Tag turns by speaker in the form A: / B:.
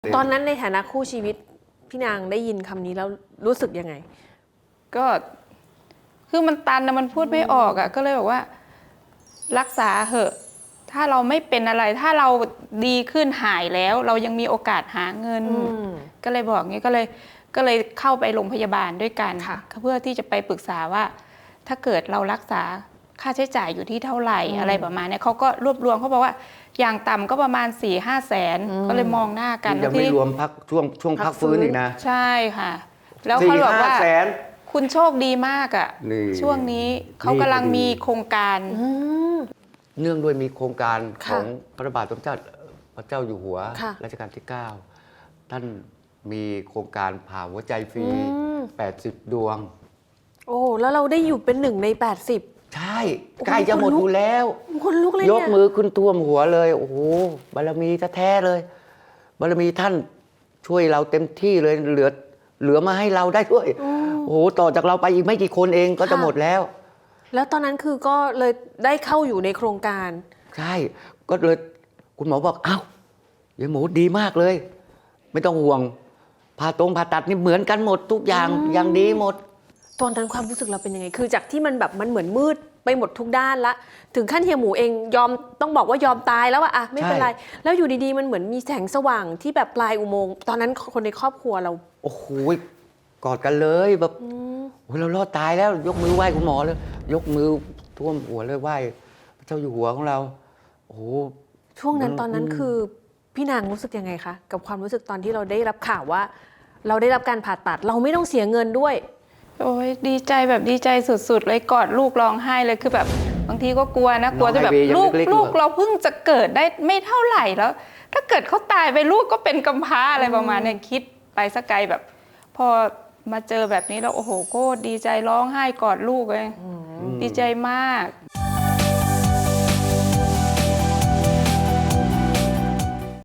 A: ตอนนั้นในฐานะคู่ชีวิตพี่นางได้ยินคำนี้แล้วรู้สึกยังไง
B: ก็คือมันตันนะมันพูดไม่ออกอ่ะก็เลยบอกว่ารักษาเหอะถ้าเราไม่เป็นอะไรถ้าเราดีขึ้นหายแล้วเรายังมีโอกาสหาเงินก็เลยบอกงี้ก็เลยเข้าไปโรงพยาบาลด้วยกันเพื่อที่จะไปปรึกษาว่าถ้าเกิดเรารักษาค่าใช้จ่ายอยู่ที่เท่าไหร่อะไรประมาณนี้เขาก็รวบรวมเขาบอกว่าอย่างต่ำก็ประมาณ 4-5 แสนก็เลยมองหน้ากัน
C: ยังไม่รวมพักช่วงพักฟื้นอีกนะ
B: ใช่ค่ะแล้วเขาบอกว่าคุณโชคดีมากอ่ะช่วงนี้เขากำลังมีโครงการ
C: เนื่องด้วยมีโครงการของพระบาทสมเด็จพระเจ้าอยู่หัวรัชกาลที่ 9ท่านมีโครงการผ่าหัวใจฟรี80 ดวง
A: โอ้แล้วเราได้อยู่เป็น1 ใน 80
C: ใช่ใกล้จะหมดอยู่แล้ว
A: คนลุกเลย
C: ยกมือขึ้นท่วมหัวเลยโอ้โหบารมีแท้ๆเลยบารมีท่านช่วยเราเต็มที่เลยเหลือมาให้เราได้ด้วยโอ้โหต่อจากเราไปอีกไม่กี่คนเองก็จะหมดแล้ว
A: แล้วตอนนั้นคือก็เลยได้เข้าอยู่ในโครงการ
C: ใช่ก็เลยคุณหมอบอกอ้าวยายหมูดีมากเลยไม่ต้องห่วงผ่าตัดนี่เหมือนกันหมดทุกอย่างอย่างดีหมด
A: ตอนนั้นความรู้สึกเราเป็นยังไงคือจากที่มันแบบมันเหมือนมืดไปหมดทุกด้านละถึงขั้นเฮียหมูเองยอมต้องบอกว่ายอมตายแล้วอะไม่เป็นไรแล้วอยู่ดีๆมันเหมือนมีแสงสว่างที่แบบปลายอุโมงค์ตอนนั้นคนในครอบครัวเรา
C: โอ้โหกอดกันเลยแบบโอ้เรารอดตายแล้วยกมือไหว้คุณหมอเลยยกมือท่วมหัวเลยไหว้พระเจ้าอยู่หัวของเราโอ้โห
A: ช่วงนั้นตอนนั้นคือพี่นางรู้สึกยังไงคะกับความรู้สึกตอนที่เราได้รับข่าวว่าเราได้รับการผ่าตัดเราไม่ต้องเสียเงินด้วย
B: โอ้ยดีใจแบบดีใจสุดๆเลยกอดลูกร้องไห้เลยคือแบบบางทีก็กลัวนะกลัวจะแบบลูกเราเพิ่งจะเกิดได้ไม่เท่าไหร่แล้วถ้าเกิดเขาตายไปลูกก็เป็นกำพร้าอะไรประมาณนี้คิดไปสักไกลแบบพอมาเจอแบบนี้แล้วโอ้โหก็ดีใจร้องไห้กอดลูกเลยดีใจมาก